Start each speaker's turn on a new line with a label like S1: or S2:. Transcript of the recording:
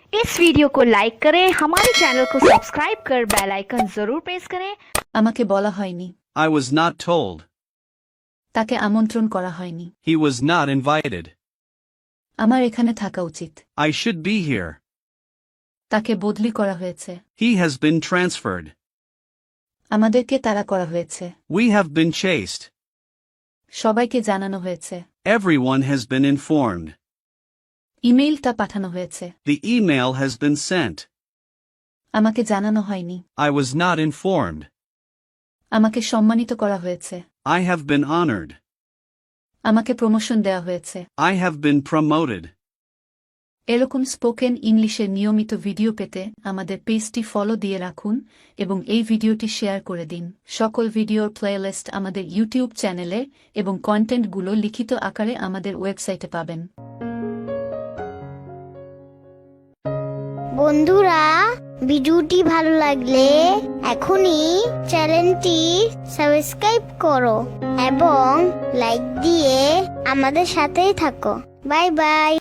S1: इस वीडियो को लाइक करें, हमारे चैनल को सब्सक्राइब कर बेल आइकन जरूर प्रेस करें।
S2: আমাকে বলা হয়নি।
S3: I was not told.
S2: তাকে আমন্ত্রণ করা হয়নি।
S3: He was not invited.
S2: আমার এখানে থাকা উচিত।
S3: I should be here.
S2: তাকে বদলি করা হয়েছে।
S3: He has been transferred.
S2: আমাদেরকে তাড়া করা হয়েছে।
S3: We have been chased.
S2: সবাইকে জানানো হয়েছে।
S3: Everyone has been informed.
S2: ইমেইলটা পাঠানো হয়েছে।
S3: The email has been sent.
S2: আমাকে জানানো হয়নি।
S3: I was not informed.
S2: আমাকে সম্মানিত করা হয়েছে।
S3: I have been honored.
S2: আমাকে প্রমোশন দেওয়া হয়েছে।
S3: I have been promoted.
S2: এরকম স্পোকেন ইংলিশের নিয়মিত ভিডিও পেতে আমাদের পেজটি ফলো দিয়ে রাখুন এবং এই ভিডিওটি শেয়ার করে দিন। সকল ভিডিওর প্লেলিস্ট আমাদের ইউটিউব চ্যানেলে এবং কন্টেন্টগুলো লিখিত আকারে আমাদের ওয়েবসাইটে পাবেন।
S4: বন্ধুরা, ভিডিওটি ভালো লাগলে এখনই চ্যানেলটি সাবস্ক্রাইব করো এবং লাইক দিয়ে আমাদের সাথেই থাকো। Bye by.